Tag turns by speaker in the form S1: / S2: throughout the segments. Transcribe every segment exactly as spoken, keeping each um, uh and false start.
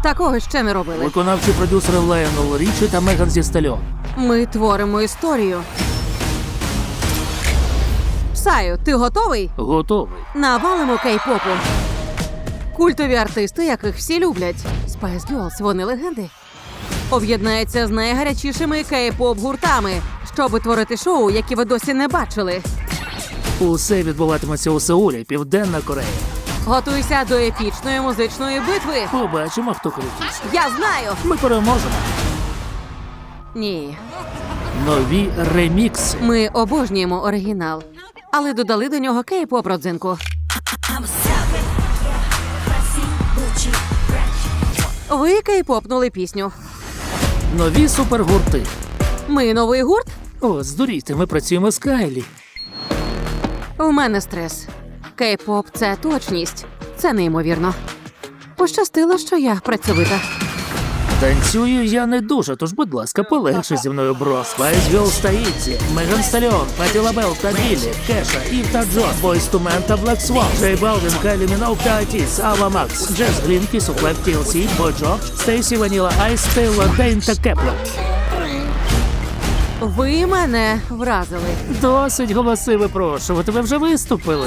S1: Такого ще не робили.
S2: Виконавчі продюсери Лайонел Річі та Меган Зі Стальон.
S1: Ми творимо історію. Псаю, ти готовий?
S2: Готовий.
S1: Навалимо кей-попу. Культові артисти, яких всі люблять. Spice Girls, вони легенди. Об'єднається з найгарячішими кей-поп гуртами, щоб творити шоу, які ви досі не бачили.
S2: Усе відбуватиметься у Сеулі, Південна Корея.
S1: Готуйся до епічної музичної битви.
S2: Побачимо, хто крутіше.
S1: Я знаю!
S2: Ми переможемо.
S1: Ні.
S2: Нові ремікси.
S1: Ми обожнюємо оригінал, але додали до нього кей-поп родзинку. Ви кей-попнули пісню.
S2: Нові супергурти.
S1: Ми новий гурт?
S2: О, здурійте, ми працюємо з Кайлі.
S1: У мене стрес. Кей-поп – це точність. Це неймовірно. Пощастило, що я працьовита.
S2: Танцюю я не дуже, тож, будь ласка, полегше зі мною, бро. Spice Girls та Ітзі, Меган Стальон, Патті Лабел та Біллі, Кеша, Ів та Джон, Бойз ту Мен та Блек Свон, Джей Балвін, Кайлі Міноуг та Атіс, Ава Макс, Джес Грін, Кісу Клеп, Ті Ел Сі, Бой Джордж, Стейсі Ваніла Айс, Тейлор Дейн та Кеплер.
S1: Ви мене вразили.
S2: Досить голоси випрошувати, ви вже виступили.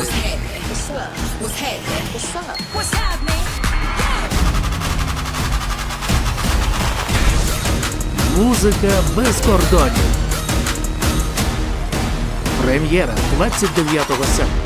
S2: Музика без кордонів. Прем'єра двадцять дев'ятого серпня.